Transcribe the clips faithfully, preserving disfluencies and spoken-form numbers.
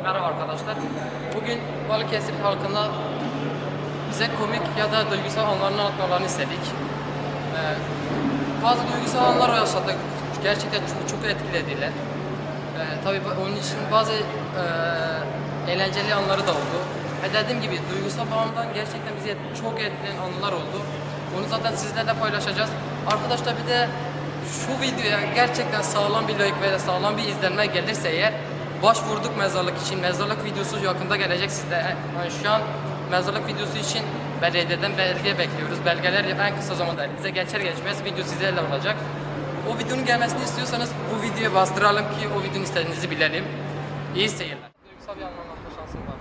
Merhaba arkadaşlar. Bugün Balıkesir halkına bize komik ya da duygusal anlarını anlatmalarını istedik. Ee, bazı duygusal anlar yaşadık. Gerçekten çok, çok etkilediler. Ee, tabii onun için bazı e, eğlenceli anları da oldu. Ve dediğim gibi duygusal bağımdan gerçekten bizi çok etkileyen anılar oldu. Bunu zaten sizlerle paylaşacağız. Arkadaşlar bir de şu videoya gerçekten sağlam bir like ve sağlam bir izlenme gelirse eğer başvurduk mezarlık için. Mezarlık videosu yakında gelecek sizde. Yani şu an mezarlık videosu için belediyeden belge bekliyoruz. Belgeler en kısa zamanda elinize geçer geçmez video sizlerle olacak. O videonun gelmesini istiyorsanız bu videoya bastıralım ki o videonun istediğinizi bilelim. İyi seyirler. Duygusal bir anlamda şansım var.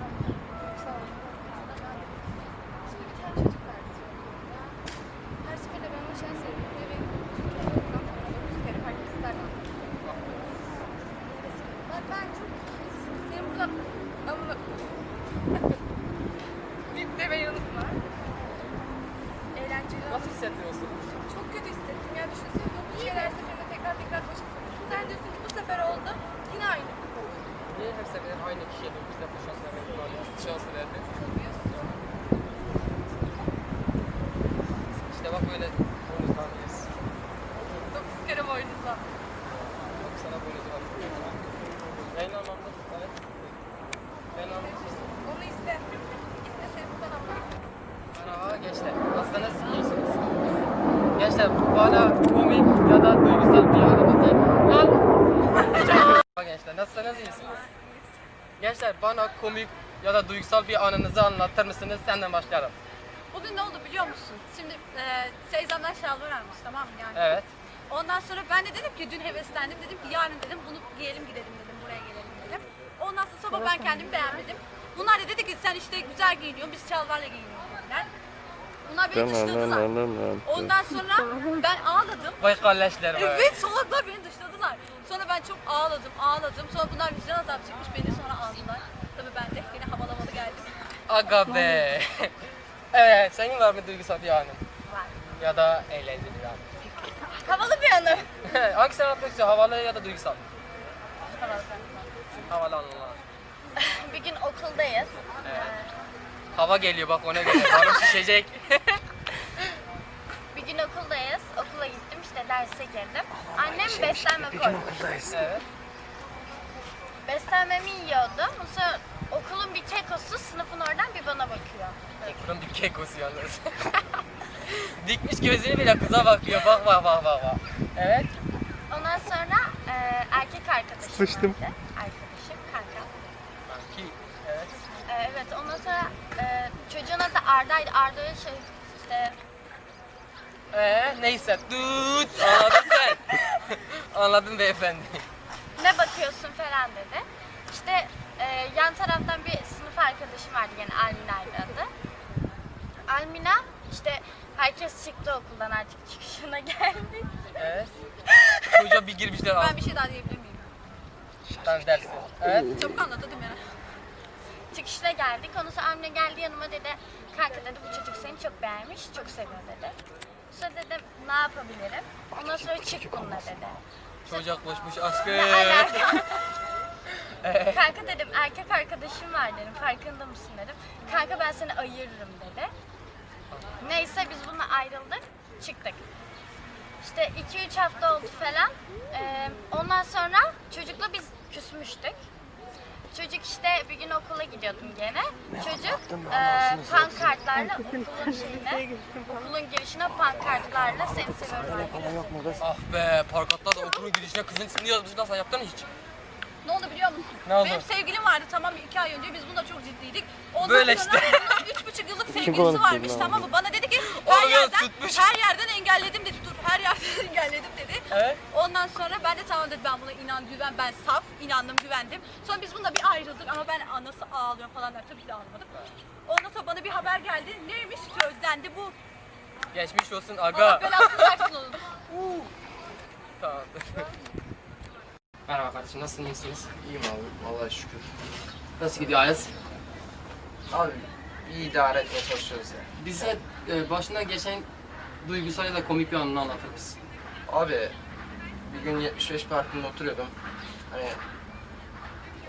Her seferinde ben ona şans veriyorum ve beni dokuz kere fark isterdim. Bak ben çok senin burada amına bir de ben yanıtma. Eğlenceli. Nasıl hissettiriyorsun? Çok kötü hissettim ya, düşünsene dokuz kere her seferinde tekrar tekrar başa sarıyorsun. Sen diyorsun ki bu sefer oldu yine aynı. Niye her sefer aynı kişiye dokuz defa şans vermek var? Şans verdi. Seviyorsun. İşte bak böyle boynuzlanmayız. dokuz kere boynuzla. Çok sana boynuz var. Aynı anlamda. Evet. Aynı anlamda. Onu iste. İste seni buradan ama. Merhaba gençler. Nasılsınız? İyisiniz. Gençler bana komik ya da duygusal bir anınızı lan. Merhaba gençler. Nasılsınız? İyisiniz. Gençler bana komik ya da duygusal bir anınızı anlatır mısınız? Senden başlayalım. Bugün ne oldu biliyor musun? Şimdi e, teyzemden şalvar almış, tamam mı yani? Evet. Ondan sonra ben de dedim ki dün heveslendim, dedim ki yarın dedim bunu giyelim gidelim dedim, buraya gelelim dedim. Ondan sonra sabah ben kendimi beğenmedim. Bunlar da dedi ki sen işte güzel giyiniyorsun, biz şalvarla giyiniyoruz dediler. Bunlar beni dışladılar. Ondan sonra ben ağladım. Vay kalleşler be. Evet, salaklar beni dışladılar. Sonra ben çok ağladım, ağladım. Sonra bunlar vicdan azabı çekmiş, beni sonra aldılar. Tabii ben de yine havalamalı geldim. Aga be. Evet, senin var mı duygusal bir anın? Var. Ya da eğlenceli bir anın? Havalı bir anı. Hangisini anlatmak istiyor? Havalı ya da duygusal? Havalı. Havalı anılar. Bir gün okuldayız. Evet. Hava geliyor bak ona göre. Karnım şişecek. Bir gün okuldayız. Okula gittim, işte derse girdim. Annem beslenme koymuş. Evet. Beslenmemi yiyordu. Sonra okulun bir kekosu sınıfın oradan bir bana bakıyor. Bunun bir kekosu yalnız. Dikmiş gözünü bile kıza bakıyor. Bak bak bak bak. bak. Evet. Ondan sonra e, erkek arkadaşım Sıçtım. vardı. Arkadaşım, kankam. Ki evet. E, evet, ondan sonra e, çocuğun adı Arda'ydı. Arda'ya şey işte Ee, neyse. Tut. Anladın sen. Anladın beyefendi. ne bakıyorsun falan dedi. İşte e, yan taraftan bir sınıf arkadaşım vardı, gene Almina'ydı adı. Almina işte herkes çıktı okuldan, artık çıkışına geldik. Evet. Çocuğa bir girmişler. Ben bir şey daha diyebilir miyim? Ben dersin. Evet. Çabuk anlatadım ya. Çıkışına geldik. Ondan sonra Almina geldi yanıma, dedi kanka dedi bu çocuk seni çok beğenmiş, çok seviyor dedi. Sonra dedim ne yapabilirim? Ondan sonra çık bununla dedi. Çocuğa koşmuş aşkım. Ne alaka? Kanka dedim erkek arkadaşım var dedim, farkında mısın dedim. Kanka ben seni ayırırım dedi. Neyse biz bununla ayrıldık, çıktık. İşte iki üç hafta oldu falan. Ee, ondan sonra çocukla biz küsmüştük. Çocuk işte bir gün okula gidiyordum gene. Çocuk e, pankartlarla okulun şeyine, okulun girişine pankartlarla seni seviyorum diye. Ah be, parkatlar da okulun girişine kızın ismini yazmışlar. Sen yaptın mı hiç? Ne oldu biliyor musun? Ne oldu? Benim sevgilim vardı, tamam mı? iki ay önce biz bununla çok ciddiydik. Ondan Böyle sonra işte. bunun üç buçuk yıllık sevgilisi konuştu varmış, lan? tamam mı? Bana dedi ki her Oğlum, yerden, tutmuş. her yerden engelledim dedi. Dur, her yerden engelledim dedi. Evet. Ondan sonra ben de tamam dedim, ben buna inan, güven, ben saf, inandım, güvendim. Sonra biz bununla bir ayrıldık ama ben anası ağlıyor falan der, tabii ki de ağlamadım. Ondan sonra bana bir haber geldi. Neymiş? Sözlendi bu. Geçmiş olsun Allah aga. belasını versin onun. Tamam. Merhaba kardeşim, nasılsınız, iyisiniz? İyiyim abi, Allah'a şükür. Nasıl gidiyor Ayaz? Abi iyi idare etmeye çalışıyoruz ya. Bize e, başından geçen duygusal ya da komik bir anını anlatır mısın? Abi bir gün yetmiş beş Parkı'nda oturuyordum. Hani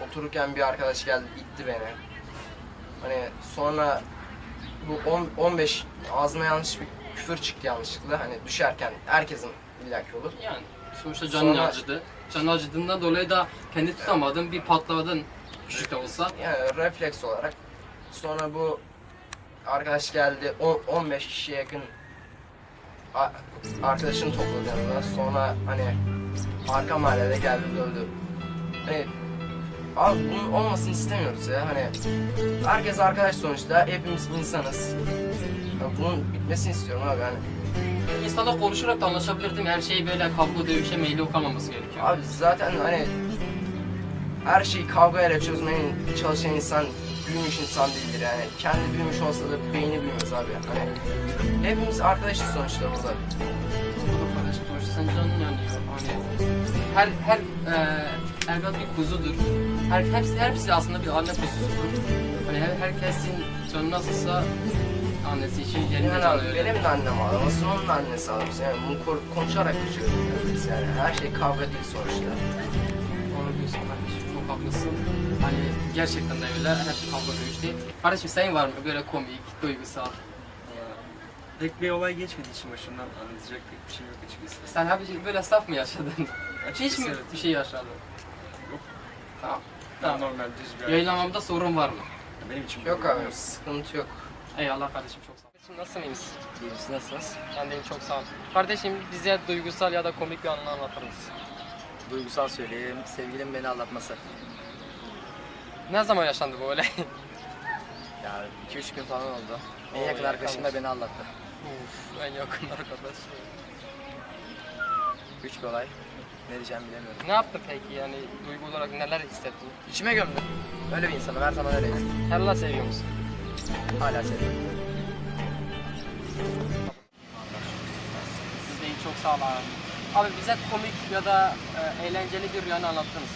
otururken bir arkadaş geldi itti beni. Hani sonra bu on, on beş ağzıma yanlış bir küfür çıktı yanlışlıkla. Hani düşerken herkesin illaki olur. Yani sonuçta canın Sonra- acıdı. Canın acıdığından dolayı da kendi tutamadın, bir patladın küçük de olsa. Yani refleks olarak. Sonra bu arkadaş geldi on, on beş kişiye yakın a- arkadaşını topladı yanına. Sonra hani arka mahallede geldi dövdü. Hani abi bunun olmasını istemiyoruz ya. Hani herkes arkadaş sonuçta. Hepimiz insanız. Yani bunun bitmesini istiyorum abi hani. İnsanla konuşarak da anlaşabilirdim. Her şeyi böyle kavga dövüşe meyilli kalmaması gerekiyor. Abi zaten hani her şeyi kavgayla çözmeye çalışan insan büyümüş insan değildir yani. Kendi büyümüş olsa da beyni büyümez abi. Hani hepimiz arkadaşız sonuçta burada. Doğru kardeşim, sonuçta sen canın yanıyor. Hani her her e, evlat bir kuzudur. Her hepsi hepsi aslında bir anne kuzusudur. Hani her, herkesin canı nasılsa annesi için yerinde Yani canı abi öyle. benim de annem ağlamasın, onun da annesi ağlamasın. Yani bunu ko- konuşarak geçiyoruz yani. Her şey kavga değil sonuçta. Doğru diyorsun kardeşim, çok haklısın. Hani gerçekten de öyle, her şey kavga dövüş değil. Kardeşim senin var mı böyle komik, duygusal? Pek bir olay geçmediği için başımdan anlatacak pek bir şey yok açıkçası. Sen hep böyle saf mı yaşadın? Hiç mi evet. bir şey yaşadın? Yok. Tamam. Tamam. Tamam. Normal düz bir Yayınlamamda sorun var mı? hayat. Benim için Yok böyle- abi sıkıntı yok. Eyvallah kardeşim, çok sağ ol. Kardeşim nasılsınız? İyiyim, siz nasılsınız? Ben deyim, çok sağ ol. Kardeşim bize duygusal ya da komik bir anını anlatır mısın? Duygusal söyleyeyim, sevgilim beni aldatması. Ne zaman yaşandı bu olay? Ya iki üç gün falan oldu. En Oo, yakın arkadaşım da yakınmış. beni aldattı. Uf, en yakın arkadaş. Güç bir olay. Ne diyeceğimi bilemiyorum. Ne yaptı peki, yani duygu olarak neler hissettin? İçime gömdüm. Öyle bir insanım, her zaman öyleyim. Hala seviyor musun? Hala seviyorum. Siz de iyi, çok sağ ol abi. Abi bize komik ya da e, eğlenceli bir rüyanı anlatır mısın?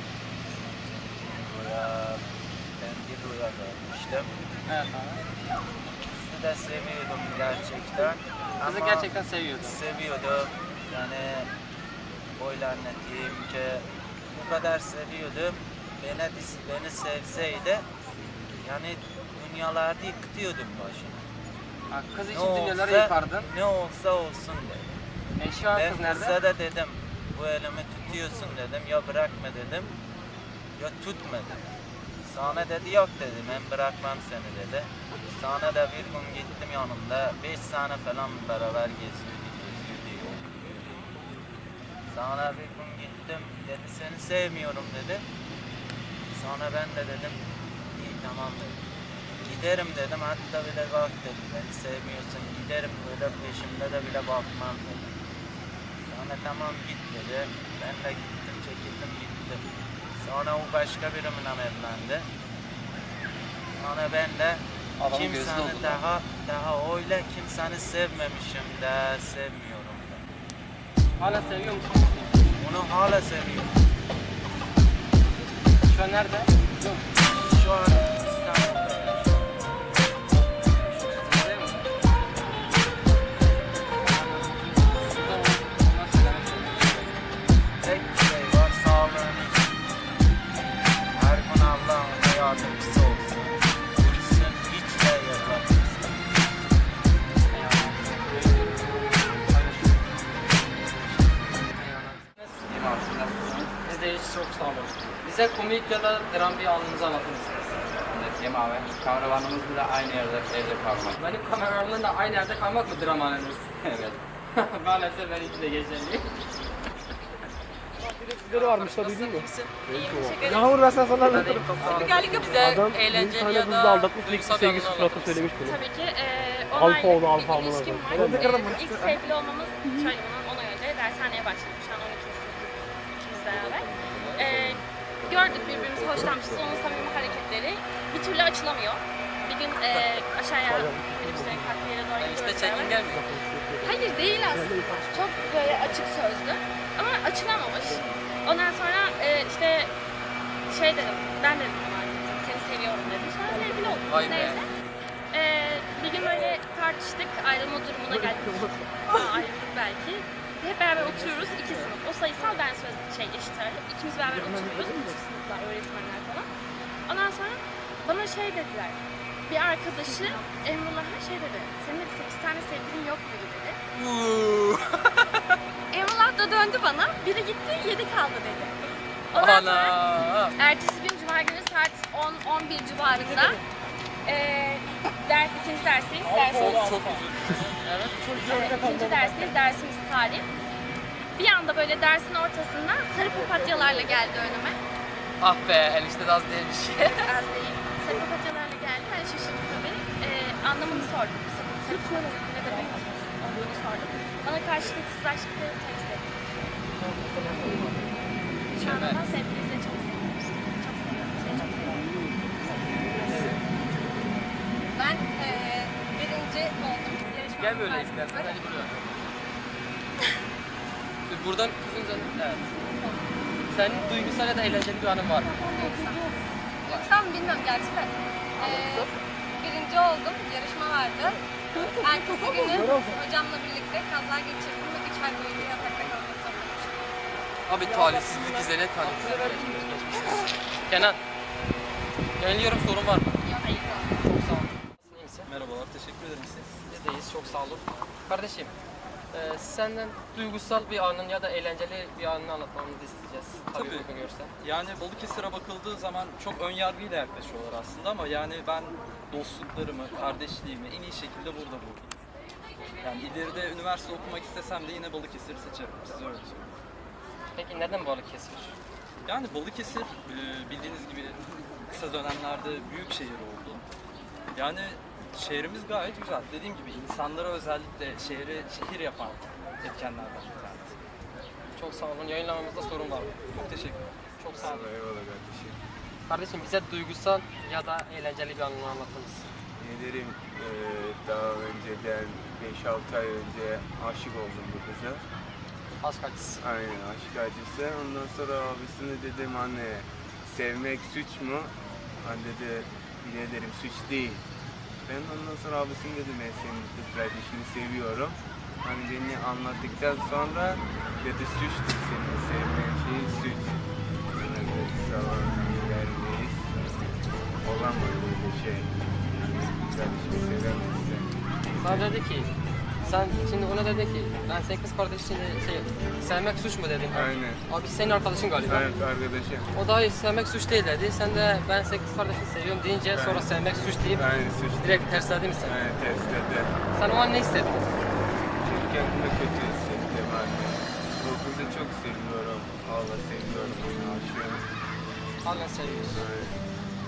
Rüya, ben bir rüya görmüştüm. Evet abi. Kızı da seviyordum gerçekten. Kızı Ama gerçekten seviyordum. seviyordum. Yani böyle anlatayım ki bu kadar seviyordum. Beni, beni sevseydi yani dünyalarda yıkıyordum başına. Ha, kız Ne için dünyaları olsa- yıkardın. Ne olsa olsun dedim. E şu an Ben kız nerede? kıza da dedim bu elimi tutuyorsun dedim ya bırakma dedim ya tutma dedim. Sonra dedi yok dedi ben bırakmam seni dedi. Sonra da bir gün gittim yanımda beş sene falan beraber geziyorduk geziyorduk yok yürüyorduk. Sonra bir gün gittim dedi seni sevmiyorum dedi. Sonra ben de dedim iyi tamam dedim. Giderim dedim hatta bile bak dedim beni sevmiyorsun giderim böyle peşimde de bile bakmam dedim. Sonra tamam git dedi. Ben de gittim çekildim gittim. Sonra o başka biriyle evlendi. Sonra ben de Adamın gözü kimseni doldu lan. daha daha öyle kimseni sevmemişim de sevmiyorum da. Hala seviyor musun? Onu hala seviyorum. Şu an nerede? Yok. Şu an İstanbul'da yaşıyorum. Seviyor musun? Burada onlar söylemek istiyorum. Tek bir şey var sağlığını için. Her gün Allah'ın yardımcısı olsun. Gülsün hiç de yıpratmasın. Biz de hiç çok sağ olun. Bize komik ya da dram bir anınızı anlatır mısınız? Cem abi, kameramanımız bile aynı yerde evde kalmak. Benim kameralarımla da aynı yerde kalmak mı dram anınız? Evet. Maalesef ben iki de geçerli. Yağmur ben sana sana anlatırım. Spikerlik Bize yapacağız. eğlenceli ya da aldatmış bir sevgisi suratı söylemiş beni. Tabii ki e, Alfa onaylı oldu, bir alfa amına ilişkim var. koyayım. E, ilk sevgili olmamız üç ay ona göre dershaneye başladık. Şu an on ikinci sınıfız ikimiz beraber. E, gördük birbirimizi hoşlanmışız. Onun samimi hareketleri bir türlü açılamıyor. Bir gün e, aşağıya minibüslerin kalktığı yere doğru gidiyoruz. İşte çekin beraber. gelmiyor. Hayır değil aslında. Çok böyle açık sözlü. Ama açılamamış. Ondan sonra e, işte şey dedim, ben dedim ona seni seviyorum dedim. Sonra sevgili olduk. Vay Biz be. neyse. E, bir gün böyle tartıştık, ayrılma durumuna geldik. Aa, ayrıldık belki. hep beraber oturuyoruz iki sınıf. O sayısal, ben söz şey eşit ağırlık. İkimiz beraber oturuyoruz. Bütün sınıflar, öğretmenler falan. Ondan sonra bana şey dediler. Bir arkadaşı Emrullah'a şey dedi. Senin de sekiz tane sevgilin yok muydu dedi. Emrullah da döndü bana. Biri gitti, yedi kaldı dedi. Ondan sonra Ana. ertesi gün Cuma günü saat on on bir civarında eee ders, ikinci dersteyiz. Dersimiz, Çok üzüldüm. Evet. evet, ikinci dersteyiz. Dersimiz tarih. Bir anda böyle dersin ortasında sarı papatyalarla geldi önüme. Ah be, enişte de az değilmiş. Az değil. Sarı papatyalarla geldi. Ben şaşırdım tabii. Eee anlamını sordum. Sarı, sarı papatya ne demek olduğunu sordum. Bana karşılıksız aşkı temsil etti. Şu anda da sevgilinizle çok seviyoruz. Çok seviyorum. Seni çok seviyorum. Ben eee birinci oldum. Yarışma Gel böyle var. istersen, hadi buraya. Buradan kızın canı, evet. Senin duygusal ya da eğlenceli bir anın var mı? Tam bilmiyorum gerçi de. Eee birinci oldum. Yarışma vardı. Ertesi günü hocamla birlikte kaza geçirdim ve üç ay boyunca yatakta kalmak zorundaymışım. Abi talihsizlik üzerine talihsizlik geçmişiz. Kenan, yöneliyorum, sorun var mı? Hayır. Çok sağ olun. İyi misin? Merhabalar, teşekkür ederim siz. Biz de iyiyiz, çok sağ olun. Kardeşim, e, senden duygusal bir anın ya da eğlenceli bir anını anlatmamızı isteyeceğiz. Tabii, Tabii. uygun görsen. Yani Balıkesir'e bakıldığı zaman çok ön yargıyla yaklaşıyorlar aslında ama yani ben dostluklarımı, kardeşliğimi en iyi şekilde burada buldum. Yani ileride üniversite okumak istesem de yine Balıkesir'i seçerim. Size öyle söyleyeyim. Peki neden Balıkesir? Yani Balıkesir e, bildiğiniz gibi kısa dönemlerde büyük şehir oldu. Yani şehrimiz gayet güzel. Dediğim gibi insanlara özellikle şehri şehir yapan etkenlerden bir tanesi. Çok sağ olun. Yayınlamamızda sorun var mı? Çok teşekkürler. Çok sağ olun. Eyvallah kardeşim. Kardeşim bize duygusal ya da eğlenceli bir anını anlatır mısın? Ne derim, eee, daha önceden beş altı ay önce aşık oldum bu kıza. Aşk acısı. Aynen, aşk acısı. Ondan sonra abisine dedim anne, sevmek suç mu? Anne dedi, yine derim suç değil. Ben ondan sonra abisine dedim ben senin kız kardeşini seviyorum. Hani beni anlattıktan sonra dedi suçtur senin sevmeyen şey suç. Bana dedi zaman vermeyiz. Olamaz böyle şey. Kardeşimi sevemezsin. Sana dedi ki, sen şimdi ona dedi ki, ben senin kız kardeşini şey, sevmek suç mu dedin? Aynen. Abi senin arkadaşın galiba. Evet arkadaşım. O da hayır sevmek suç değil dedi. Sen de ben senin kız kardeşini seviyorum deyince Aynen. sonra sevmek suç deyip Aynen suç. direkt tersledin mi sen? Aynen tersledi. Sen o an ne hissettin? Çünkü kendimi kötü hissettim anne. Bu kızı çok seviyorum. Allah seviyorum. Aşığım. Halen seviyorsun. Aynen.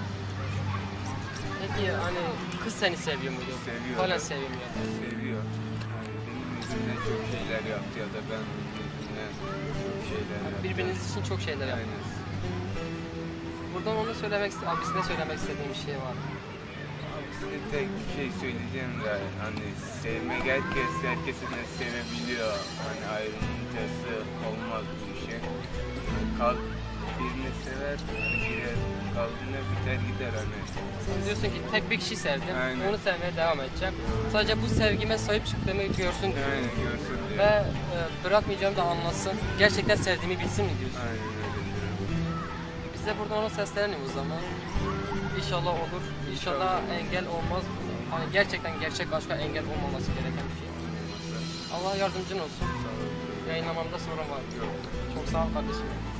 Peki hani kız seni seviyor muydu? Seviyor. Halen seviyor mu? Seviyor. Yani benim yüzümden çok şeyler yaptı ya da ben onun yüzünden çok şeyler yaptım. Birbiriniz için çok şeyler yaptınız. Aynen. Buradan onu söylemek, abisine söylemek istediğim bir şey var. Abisine tek bir şey söyleyeceğim de hani sevmek herkes herkesi de sevebiliyor. Hani ayrılınca olmaz bu işe. Yani kalp birini sever, hani girer kalbine biter gider hani. Sen diyorsun ki tek bir kişi sevdim, Aynen. onu sevmeye devam edeceğim. Sadece bu sevgime sahip çıktığımı görsün diyor. Aynen görsün diyor. Ve e, bırakmayacağımı da anlasın. Gerçekten sevdiğimi bilsin mi diyorsun? Aynen öyle diyorum. Biz de buradan ona seslenelim o zaman. İnşallah olur. İnşallah engel olmaz. Hani gerçekten gerçek aşka engel olmaması gereken bir şey. Allah yardımcın olsun. Yayınlamamda sorun var. Yok. Çok sağ ol kardeşim.